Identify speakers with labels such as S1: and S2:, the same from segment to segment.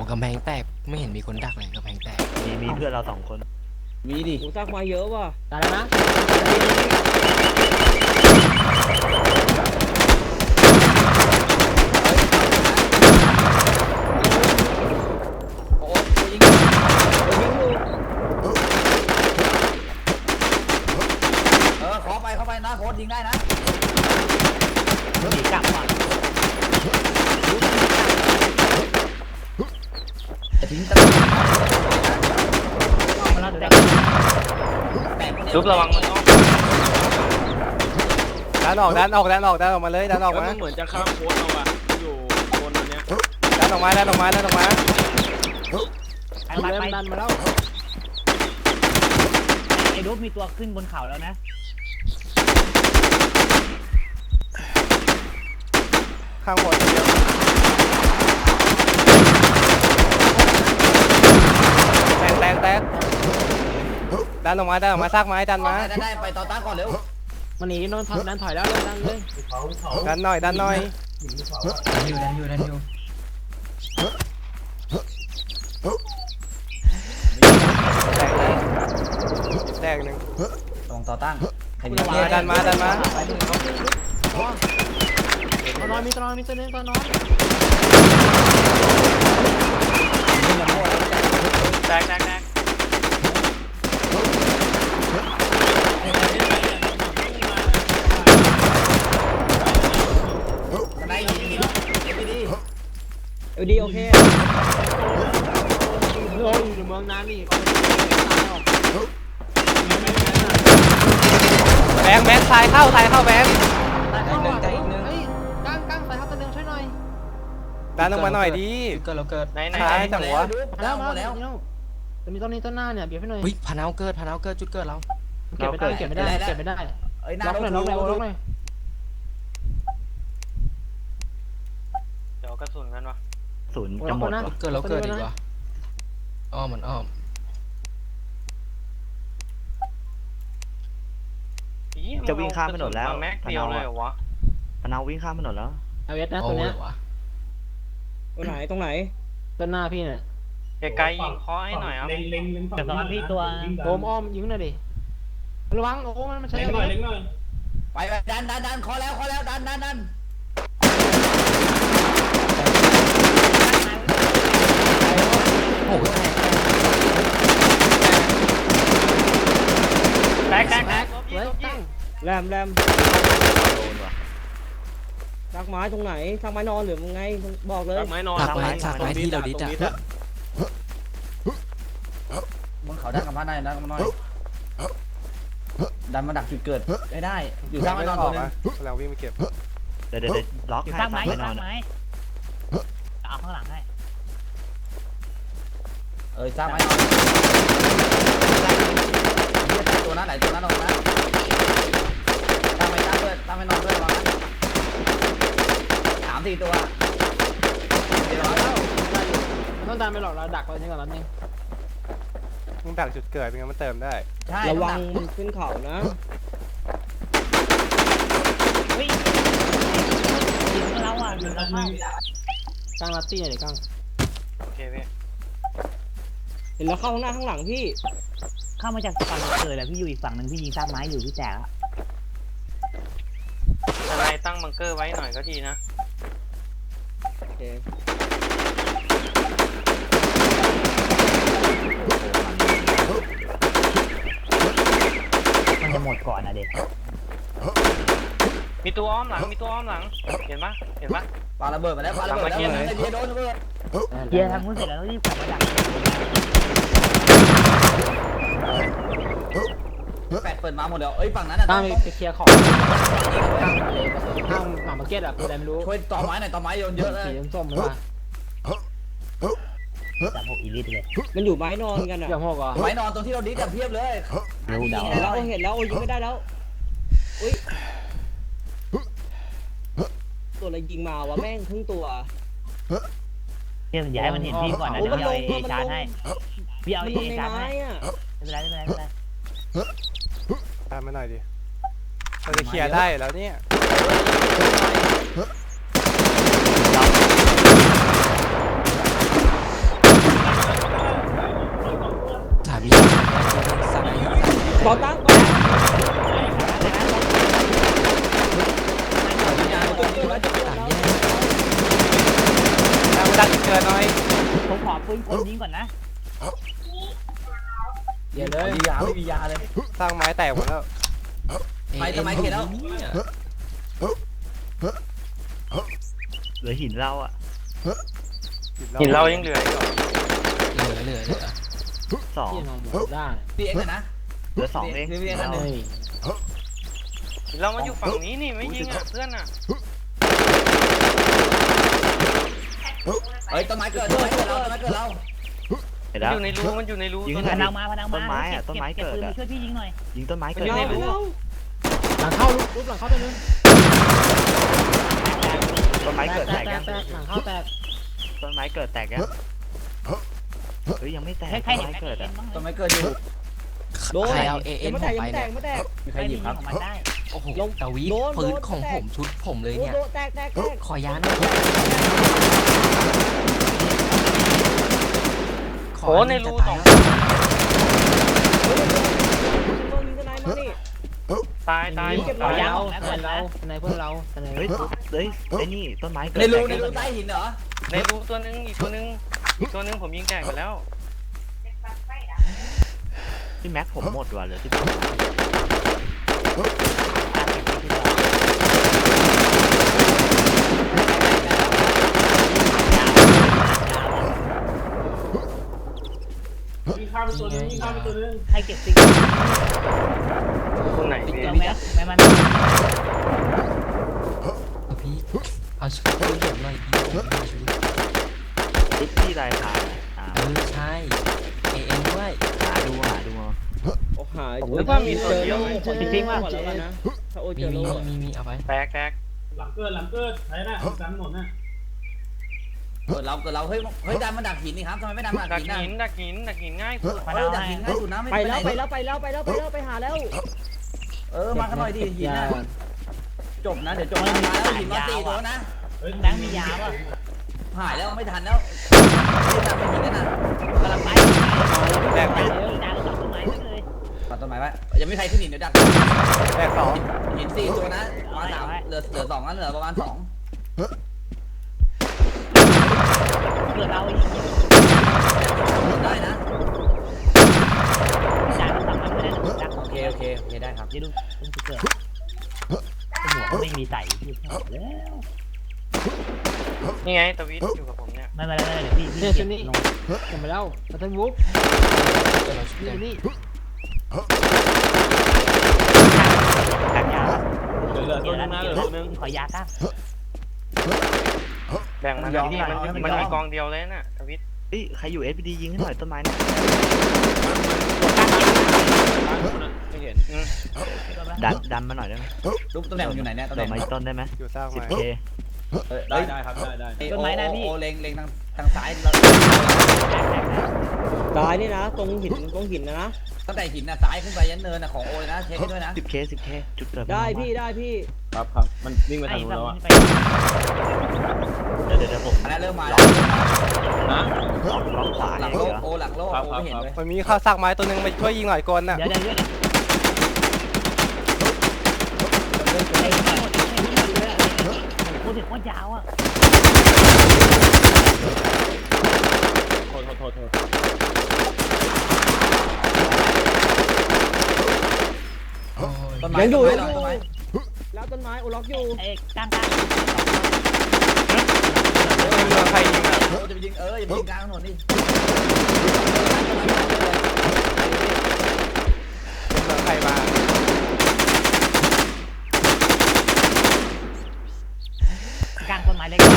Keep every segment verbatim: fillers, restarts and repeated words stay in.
S1: กำแพงแตกไม่เห็นมีคนดักเลยกำแพงแตก
S2: มีมีเพื่อนเราสองคน
S3: มีดิกูซักมาเยอะว่ะ
S4: ตายแล้วนะ
S3: โอ้ยยิงยิงอยู่เออขอไปเข้าไปนะโค้ดยิงได้นะ
S2: หนีกลับว่ะ
S3: ทิ้งตะลุ
S2: ลุกระวังมัน
S5: ออกดันออกดันออกดันออกดันออกมาเลยดันออกมา
S6: เหมือนจะข้ามโค้ดเราอะอยู่บนอันเนี้ย
S5: ดันออกมาดันออกมาดันออกมา
S4: ไอ้เริ่มดันมาแล้ว
S2: ไอ้รูปมีตัวขึ้นบนเขาแล้วนะ
S5: ข้างบนเดียวแตกแตกแตกดันออกมาดันออกมาซากไม้ดันมา
S3: ได้ได้ไปต่อต้านก่อนเร็ว
S4: มันหนีโดนดันถอยแล้วเลยดันเลย
S5: ดันหน่อยดันหน่อย
S3: ดันอยู่ดันอยู่ดันอยู่
S5: แตกแตกหนึ่ง
S3: ตรงต่อต้าน
S5: ดันมาดันมา
S4: ตัวนอนมีตัวนอนมีตัวนึงตัวนอน
S6: แตกแตกแตก
S3: ได้ยิงดีดี
S4: เออดีโอเคโอ้ยอยู่ในเมืองนั้นนี่
S5: แบงค์แบงค์ทรายเข้าทรายเข้าแบงค์
S4: ใจอีกนึงเฮ้ยก้างก้างใส่เข้าตัวนึงช่วยหน่อย
S5: ดันลงมาหน่อยดิ
S1: เกิดเราเกิด
S6: ไหนไหน
S5: ท้ายจังวะ
S4: แล้วมาแล้วตัวนี้ต้นนี้ต้นหน้าเนี่ยเบียดให้หน่อย
S1: วิพานาวเกิดพานาวเกิดจุดเกิดเรา
S4: เก็บไม่ได้เก็บไม่ได้เก็บไม่ได้
S3: เอ้ย
S4: ล็อกเลยล็อกเลยล็อกเลย
S6: เดี๋ยวกระสุนกันวะ
S2: ศูนย์จะหมด
S1: เกิดเราเกิดดีกว่าอ้อมมันอ้อม
S2: จะวิ่งข้ามถนนแล้ว
S6: แม็กเดียวเลยเหรอวะ
S2: พนาวิ่งข้ามถนนแล้ว
S4: เอาเวสนะตัวเนี้ย
S3: ตรงไหนตรงไหน
S4: ต้นหน้าพี่เนี่ย
S6: ไกลๆยิงเคาะให้หน่อยครับ
S2: แต่ตอนพี่ตัว
S4: โอมอ้อมยิงหน่อยดิระวังโอ้มันมันใช้
S3: หน่อยเล็กหน่อยไปไปดันดันดันขอแล้วขอแล้วดันดันดัน
S1: โอ้โห
S6: แตกแตกแตก
S3: แรมแรมซักไม้ตรงไหนซักไม้นอนหรือไงบอกเลย
S6: ซักไม้นอน
S1: ซักไม้ซักไม้ที่เราดิจ้ะ
S3: บนเขาดันกับบ้านได้ดันกับบ้านน้อยดันมาดักจุดเกิดได้ได้อยู่ซักไม้นอนตัวนึง
S5: เราวิ่งไปเก็บ
S2: เดี๋ยวเดี๋ยวล็อกให้ซักไม้ซักไม้เอาข้างหลังให้
S3: เออซักไม้นอนตัวนั้นไหนตัวนั้นลงนะตามไปตามด้วยตามไปนอนด้วยวางสามสี่ตัวเดี๋ยวแล้ว
S4: ต้องตามไปหลอกเราดักไว้นี่ก่อนแล้วนี่
S5: มึงดักจุดเกิดเป็นไงมันเติมได้
S3: ใช่ระวังมันขึ้นเขานะ
S2: วิ่งยิงเราอ่ะยิงเราเข้า
S4: ก้างลัตตี้หน่อยก้าง
S6: โอเคพี่
S3: เห็นแล้วเข้าข้างหน้าข้างหลังพี่
S2: เข้ามาจากฝั่งเกิดแหละพี่อยู่อีกฝั่งหนึ่งพี่ยิงซากไม้อยู่พี่แตกแล้ว
S6: อะไรตั้งบังเกอร์ไว้หน่อยก็ดีนะ
S3: โอเค
S2: มันจะหมดก่อนนะเด็ก
S6: มีตัวอ้อมหลังมีตัวอ้อมหลังเห็นปะเห็นปะ
S3: ปาระเบิดมาแล้วปาระเบิดแล้วเดี๋ยวโดนระเบิด
S2: เดี๋ยวทำมือเสร็จแล้วรีบกลับมาดัก
S3: แปดเปิดมาหมดแล้วเอ้ยฝั่งนั้นอ่ะ
S4: ตั้งไปเคลียร์ของข้างหมามาร์เก็ตอ่ะคืออะไรไม่รู้
S3: ช่วยต่อไม้หน่อยต่อไม้โยนเยอะเลย
S4: สีส้มๆเลยว่ะ
S2: จับหกอีลิทเลย
S3: มันอยู่ไม้นอนกันอ่ะ
S4: อย่างหกอ่ะ
S3: ไม้นอนตรงที่เราดิสกับเพียบเลยเห็นแล้วเห็นแล้วโอ้ยยิงไม่ได้แล้วอุ้ยตัวอะไรยิงมาวะแม่งครึ่งตัว
S2: เดี๋ยวย้ายมันเห็นพี่ก่อนนะเดี๋ยวพี่เอาเอชาร์จให้พี่เอาเอชาร์จให้ไม่เป็นไรไม่เป็นไรไม่เป็นไร
S5: ตามมาหน่อยดิเราจะเคลียร์ได้แล้วเนี่ย
S7: ก่อตั้งก่อตั้ง
S5: ดังเกินหน่อย
S2: ผมขอปืนคนยิงก่อนนะ
S3: เดี๋ยวเลยยาไม่มียาเลย
S5: สร้างไม้แตกหมดแล้ว
S3: ไปทำไมเขียนแล้ว
S2: เหลือหินเราอ่ะ
S6: หินเรายังเหลืออีกเหรอ
S1: เหลือเหลือเหลือ
S2: สอง
S7: ที่นอนหมดได้
S3: พี่เอ็กซ์นะ
S2: เหลือสองเอง
S3: พี่เอ็กซ์นั่น
S7: เฮ้
S3: เลย
S7: ย
S6: หินเรามาอยู่ฝั่งนี้นี่ไม่ยิงอ่ะเพื่อนอ่ะ
S3: เฮ้ยต้นไม้เกิดต้นไม้เกิดเราต้นไม้เกิดเรา
S2: เห็น
S6: มัน
S2: แล้ว
S6: อยู่ในรูมันอยู่ในรู
S2: ยิง
S6: ตัว
S2: พ
S6: นั้น
S2: นังมาพนังมาต้นไม้อะต้นไม้เกิดอะช่วยพี่ยิงหน่อยยิงต้นไม้เกิด
S6: มันอยู่ในรู
S7: หลังเข้ารูปหลังเข้าตัวนึง
S2: ต้นไม้เกิด
S7: แต
S2: แต
S7: ก
S2: ก
S7: แต
S2: ยั
S7: ก
S2: ง
S7: แตกหลังเข้าแตก
S2: ต้นไม้เกิดแตกยังเฮ้ยยังไม่แตกต้นไม้เกิดอ่ะ
S3: ต้นไม้เกิดอยู่
S7: โดน
S1: ใครเอาเอเอ็น
S7: ยัง
S1: ผ
S7: ไม่
S1: ม
S7: แตก
S1: ไป
S7: ยังไม่แต
S1: เนี่ย
S7: กยังไม่แตก
S3: มีใครหยิบครับ
S1: โอ้โห
S7: ลง
S1: ตะวิ
S7: โดน
S1: ปืน
S7: โดน
S1: ของ
S7: แตก
S1: ผมชุดผมเลยเนี่ย
S7: โดนแตกแตกแตก
S1: ขอยาหน่อยข
S6: โอ้ในรูสอง
S7: โดนยิงทนายมานี่
S6: ตายตาย
S7: เก็บ
S6: ตาย
S7: เราทนายเราทนายเพื่อนเราทนาย
S2: เฮ้ยเฮ้ยไอ้นี่ต้นไม้เกิด
S3: ในรู
S2: แตก
S3: ในรูใต้หินเหรอ
S6: ในรูตัวนึงอีกตัวนึงอีกตัวนึงผมยิงแตกไปแล้ว
S2: ที่แม็กผมหมดว่ะเหลือที่ให้เก็บติ๊ก
S6: ตรงไหนพี่
S2: เจอแม็กแม็กมัน
S1: เอาพี่เอาชุดปืนผมหน่อยพี่ผมมีชุด
S2: ติ๊กที่รายคาอ่า
S1: เออใช่เอเอ็นด้วย
S2: หาดูหาดู
S7: โอ้หาย
S6: ผมนึกว่ามีตัวเดียว
S7: จริงๆว่าแล้วกันนะถ้าโอ้ยเจ
S1: มี
S7: อโล
S1: มีมีมีเอาไป
S6: แตกแตก
S8: หลังเกิดหลังเกิดไหนน่ะสามหนุนน่ะ
S3: เกิดเราเกิดเราเฮ้ยเฮ้ยดันมาดักหินนี่ครับทำไมไม่ดันมาดั
S6: ดั
S3: ก
S6: ก
S3: หินน่ะ
S6: หินดักหินดักหินง่ายสุด
S3: เออดักหินง่ายสุดนะไม่
S7: ไป
S3: ไปไห
S7: แล้ว
S3: น
S7: ไปแล้วไปแล้วไปแล้วไปแล้วไปหาแล้ว
S3: เออมากันหน่อยดิหินน่ะจบนะเดี๋ยวจบนะมาแล้วหินมาสี่ตัวนะ
S8: เฮ้ย
S2: แม็กมียาป่ะ
S3: หายแล้วไม่ทันแล้วไม่ทันไม่หินกันนะ
S2: กำลังไป
S5: แตกไป
S2: ดาวต้นไม้เลย
S3: ปัดต้นไม้ไว้ยังไม่ใครขึ้นหินเดี๋ยวดัก
S5: แตกสอง
S3: หินสี่ตัวนะมาสามเหลือเหลือสองนั้นเหลือประมาณสอง
S2: เกิดเราอีก
S3: ได้นะ
S2: ดาวต้องทำมันไม่ได้ดัก
S3: โอเคโอเคโอเคได้ครับ
S2: เดี๋ยวดูต้องเกิดหัวไม่มีใส่พี่แล้ว
S6: นี่ไงตะวิทอยู่กับผมเนี่ย
S2: ไม่ไม่ไม่เดี๋ยวพี่
S7: เนี่ยชุดนี้จำไปแล้วมาทันบุ๊ก
S1: เดี๋ยวเราชุด
S7: นี่
S1: เดียว
S7: นี่
S2: กัดยา
S8: เหลือตัวนึงนะเหลือตัวนึง
S2: ขอยาตั้ง
S6: แบ่งมันนี่มันมันมีกองเดียวเลยน่ะตะวิท
S2: เฮ้ยใครอยู่เอสพีดียิงให้หน่อยต้นไม้นะ
S8: ไม่เห็น
S6: อืม
S2: ดันดันมาหน่อยได้ไหม
S3: รูปตำแหน่งอยู่ไหนเนี่ยตำแห
S2: เดี๋
S3: น่
S2: ยว
S3: ง
S2: มาต้นได้ไหม
S5: อยู่สร้าง
S2: สิบ
S5: ไม้
S2: เค
S8: ได้ได้ครับได้ได้
S3: ต้นไม้นะพี่โอเล็งเล็งทางทางซ้ายเรา
S7: ตายนี่นะตรงหินตรงหินนะนะ
S3: ตั้งแต่หินนะซ้ายขึ้นไปยันเนินนะของโอเลยนะเช็คให้ด้วยนะ
S2: สิบเคสิบเคจุดเกิด
S7: ได้พี่ได้พี่
S8: ครับครับมันวิ่งไปทางนู้นแล้วอ่ะ
S2: เดี๋ยวเดี๋ยวผม
S3: อันนั้นเริ่มมา
S8: นะ
S2: ล็อกล็อกขวา
S3: หลัง
S2: เดี๋
S3: โล
S2: ยว
S3: โอหลังโลโอไม่เห็นเลย
S5: มันมีข้าวสร้างไม้ตัวหนึงไปช่วยยิงหน่อยกลน่ะ
S2: เดี๋ยวเดี๋ยวเดี๋ยวพูดถึงว่ายาวอ่ะ
S8: โทษโทษโทษโทษ
S1: โอ้ย
S3: ต้นไม้
S7: ยังอยู่
S3: ต้
S7: ยั
S3: น
S7: งอยู่
S3: ไม้
S7: แล้วต้นไม้โอล็อกอยู่
S2: เอ้กลางกลาง
S5: เมืองใครยิงอ่ะ
S3: โอจะไปยิงเอออย่าไปยิงกลางถนนนี่
S5: เมืองใครมา
S2: กลางต้นไม้เล็ก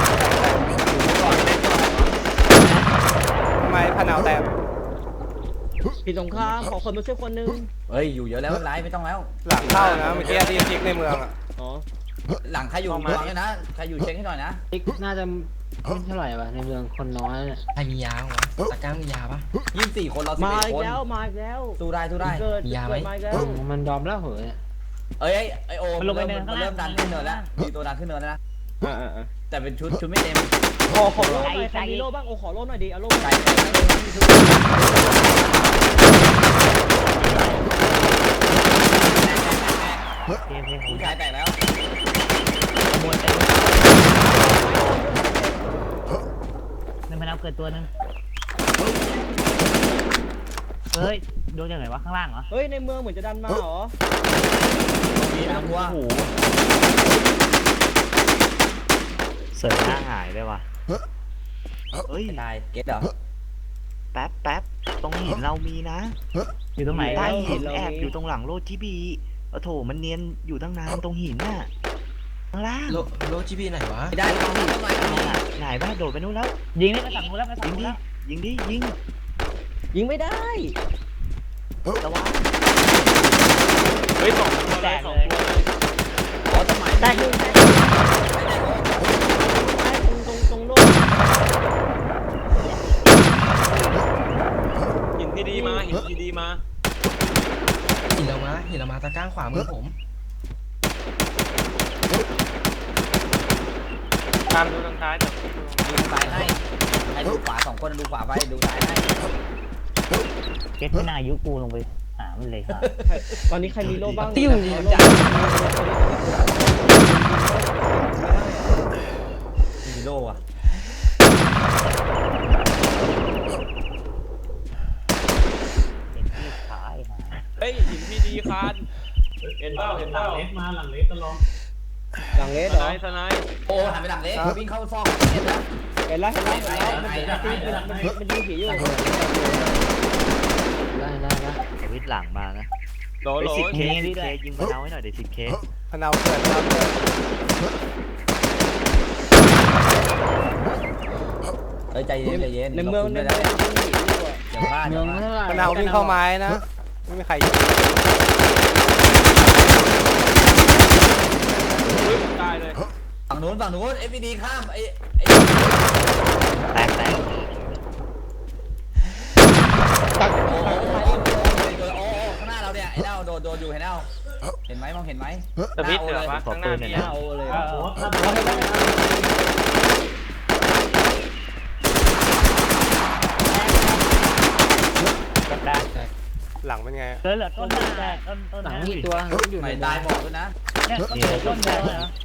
S5: ทำไมพะนาวแตก
S7: ผิดสงครามขอคนมาช่วยคนนึง
S3: เฮ้ยอยู่เยอะแล้วไม่เป็นไรไม่ต้องแล้ว
S5: หลังเข้านะเมื่อกี้ที่ยิงในเมืองอ่ะ
S7: อ๋อ
S3: หลังใครอยู่ระวังด้วยนะใครอยู่เช็คให้หน่อยนะ
S7: อีกน่าจะไม่เท่าไหร่ป่ะในเมืองคนน้อยเนี่ย
S1: ใครมียาบ้างวะตะกร้ามียาปะ
S3: ยี่สิบสี่คนเราสิบ
S7: มา
S3: เอ็ด
S7: อีก
S3: คน
S7: แล้วมาอีกแล้ว
S3: สู้ได้สู้ได้
S7: เกิด
S1: มียาไหม
S7: เกิดมาอีกแล้วมันยอมแล้วเหรอเนี่ย
S3: เอ้ยไอโอมันเริ่มมันเริ่มดันขึ้นเนินแล้วมีตัวดันขึ้นเนินแล้วนะ
S7: อ่าอ่า
S3: แต่เป็นชุดชุดไม่เต็ม
S7: ขอขอโล่หน่อยใครมีโล่บ้างโอ้ขอโล่หน่อยดิเอาโล่
S3: ไกล
S7: มา
S3: ไกลไกล
S2: เกมเพลง
S3: ผู้ชายแตกแล้ว
S2: ขโมยไปในพนักเกิดตัวนึงเฮ้ยโดนยังไงวะข้างล่างเหรอ
S4: เฮ้ยในเมืองเหมือนจะดันมาเหรอ
S3: มีนะวัว
S2: เสิร์ฟหน้าหายเลยว่ะ
S9: เฮ้ย
S3: นายเก็ตเหรอ
S9: แป๊บแป๊บตรงหินเรามีนะ
S2: อยู่ตรงไหน
S9: ใต้หินแอบอยู่ตรงหลังโลจิบีโอ้โถมันเนียนอยู่ตั้งนานตรงหินน่ะข้างล่าง
S1: โลโลจีพีไหนวะ
S3: ไม่ได้ต้องมีต้องมี
S9: น่ะไหนบ้าโดดไปนู้นแล้ว
S2: ยิงนี่ไปสั่งกูแล้วไปสั่
S9: ยิ
S2: ง
S9: ง
S2: กู
S9: ดิ
S2: แล้ว
S9: ยิงดิยิง
S4: ยิงไม่ได้
S9: ระวัง
S6: เฮ้ยสองตัวเลยสองตัวเลย
S3: อ๋อสมัย
S2: ได้ยิง
S4: ตรงตรงโน้น
S6: หินที่ดีมาหินที่ดีมา
S1: หินเรามาหินเรามาตะก้างขวามือผม
S6: ตามดูทางซ้ายแต่
S3: ดูซ้ายให้ให้ดูขวาสองคนดูขวาไปดูซ้ายให้
S2: เก็ตไม่น่ายุกูลงไปหามันเลยค่ะ
S4: ตอนนี้ใครมีโล่บ้าง
S3: ติ้ว
S4: จั
S3: จั
S4: ด
S3: ดมีโล่อะ
S2: เป็นที่ขายหา
S6: เฮ้ยหินที่ดีคาน
S8: เห็นเปล่าเห็นเปล่า
S4: หลังเล
S6: ส
S4: สเหรอ
S6: ไนสไน
S3: โอ้หันไปหลังเล็กวิ่งเข้าซอกเห็นแล้ว
S4: เห็นแล้วเห็นแล้วเห็นแล้วมันตีมันยิงผีอยู่
S7: ได้ได้ได้
S9: สวิตช์หลังมานะ
S6: โหล
S9: ไป
S6: โหล
S9: สิบเคสิบเคยิงพะเนาให้หน่อยเดี๋ยวสิบเค
S5: พะเนาเกิดพะเนาเกิด
S3: เฮ้ยใจเย็นใจเย็น
S4: ในเมืองใน
S3: ได้
S4: เมืองยิงผีอยู่อะ
S3: เดี๋ยวพลาด
S7: เมื
S3: เดี๋
S7: อย ง
S3: วพลาด
S7: เท่าไหร่
S5: พะเนาวิ่งเข้าไม้นะไม่มีใครยิง
S6: เฮ้ยตายเลย
S3: ฝั่งนู้นฝั่งนู้น เอฟ พี ดี ข้ามไอ้ไอ้
S9: แตกแตก
S4: ตัก
S3: โอ้
S4: ตัก
S3: โห
S4: ไป
S3: โอ้โหข้างหน้าเราเนี่ยไอ้เน่าโดนโดนอยู่ไอ้เน่าเห็นไหมมองเห็นไหม
S6: สวิตช์เหรอวะข้างหน้ามี
S4: เอาเลย
S2: ก็ได้
S5: หลังเป็นไง
S2: เหลือเหลือต้นหน้าได้ต้นต้น
S7: หลัง
S2: นะ
S7: มีตัวอยู่
S3: ไหน
S7: ใน
S3: ตายบอกด้วยนะ
S2: เนี่ยต้นเหลือต้นเดียวเหรอ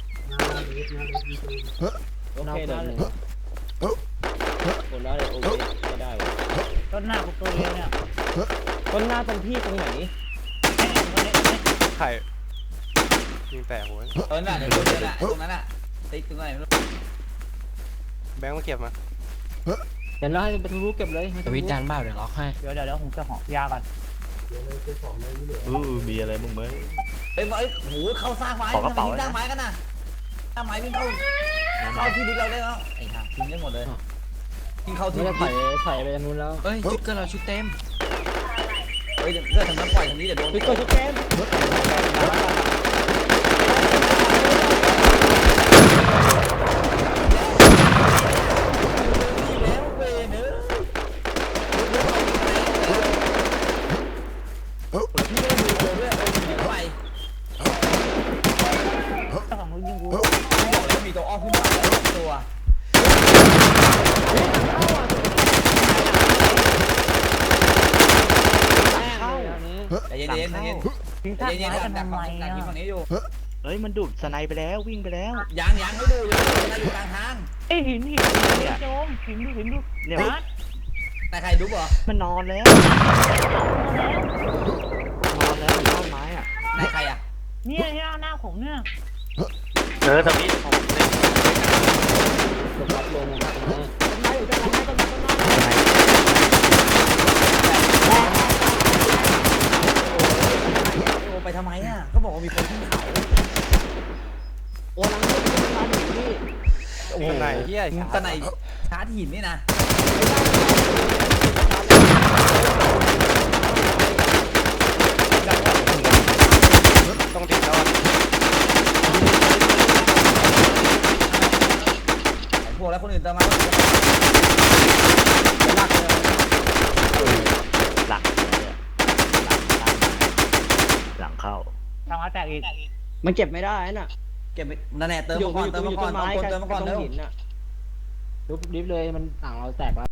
S4: โอเคได้เลยคนได้เลยโอเคไม่ได้
S2: ต้นหน้ากูตัวเดียวเนี่ย
S4: ต้นหน้าตรงพี่ตรงไหน
S5: ไข่ยิงแตกหัว
S3: เออน่ะเดี๋ยวโดนเลยน่ะตรงนั้นน่ะติ๊กตรงไหนไม่รู้
S5: แบงค์มาเก็บมา
S7: เห็นแล้วให้ไปทะลุเก็บเลย
S1: สวิตช์ดันบ้าเดี๋ยวล็อกให้
S2: เดี๋ยวเดี๋ยวเดี๋ยวผมจะหอยาก่อน
S9: อู้มีอะไรมึงไหม
S3: เฮ้ยเฮ้ยโหเข้าสร้างไม้ทำไมทิ้งสร้างไม้กันน่ะสร้างไม้วิ่งเข้าเข้าที่ดินเราได้แล้วไอ้ห่าทิ้งได้หมดเลยทิ้งเข้า
S7: ไม่
S3: ที่
S7: ได้ไถ่ไถ่ไปทางนู้นแล้ว
S1: เฮ้ยชุดเกอร์เราชุดเต็ม
S3: เฮ้ยเลือดทางนั้นปล่อยทางนี้เดี๋ยวโดน
S4: พี่กดชุดแก้ม
S3: แล้วเว้ยเนอะพี่ไม่ดูตัวด้วยโอ้ยหนีไป
S2: เจ้าของมึงยิงกู
S3: พี่บอกแล้วมีตัวอ้อมขึ้นมาแล้วตัว
S7: เข้าอันนี้
S3: ใจเย็นๆใจเย็น
S2: ทิ้ง
S3: ๆใจ
S2: ท่า
S3: เย็น
S2: ไม้
S3: ๆ
S2: กัน
S3: ดัก
S2: ทำไม
S3: ฝั่งดัก
S2: อ่ะ
S3: ยิงฝั่งนี้อยู่
S9: เฮ้ยมันดูดสไนไปแล้ววิ่งไปแล้ว
S3: ยังยังไม่ดูอยู่นะอยู่กลางทาง
S2: ไอ้หินหินหินโจมหินดูหินดู
S9: เนี่ย
S2: นัด
S3: แต่ใครดูบ่
S9: มันนอนแล้วนอนแล้วอยู่บ้านไม้อ่ะ
S3: ไหนใครอ่ะ
S2: เนี่ยเนี่ยหน้าผมเนี่ย
S6: เออสวิตช์ของผมเนี่ย
S7: หลบรับลงนะ
S4: ต้นไม้อยู่ด้านหลังต้นไม้ต้นไม้
S3: โอ้ไปทำไมอ่ะเขาบอกว่ามีคนขึ้นเขา
S4: โอ้หลังต้นไม้หนีพี่
S3: โอ้โห
S5: ไหนเฮีย
S3: ตะไหนชาร์จหินนี่นะ
S5: ต้องติดแล้ว
S3: พวกแล้วคนอื่นตามมา
S9: หลังเนี่ยหลังเข้า
S2: ทางมาแตกอีก
S4: มันเก็บไม่ได้น่ะ
S3: เก็บนั่นแหละเติม
S4: อยู่
S3: มาก่อน
S4: อยู่
S3: เติม
S4: อยู่
S3: มาก่
S4: ต้
S3: อน
S4: นไม้
S3: เติมมาก่อน
S4: ตร
S3: เร็ว
S4: งหินน่ะ
S7: ลุบดิฟเลยมันต่างเราแตกแล้ว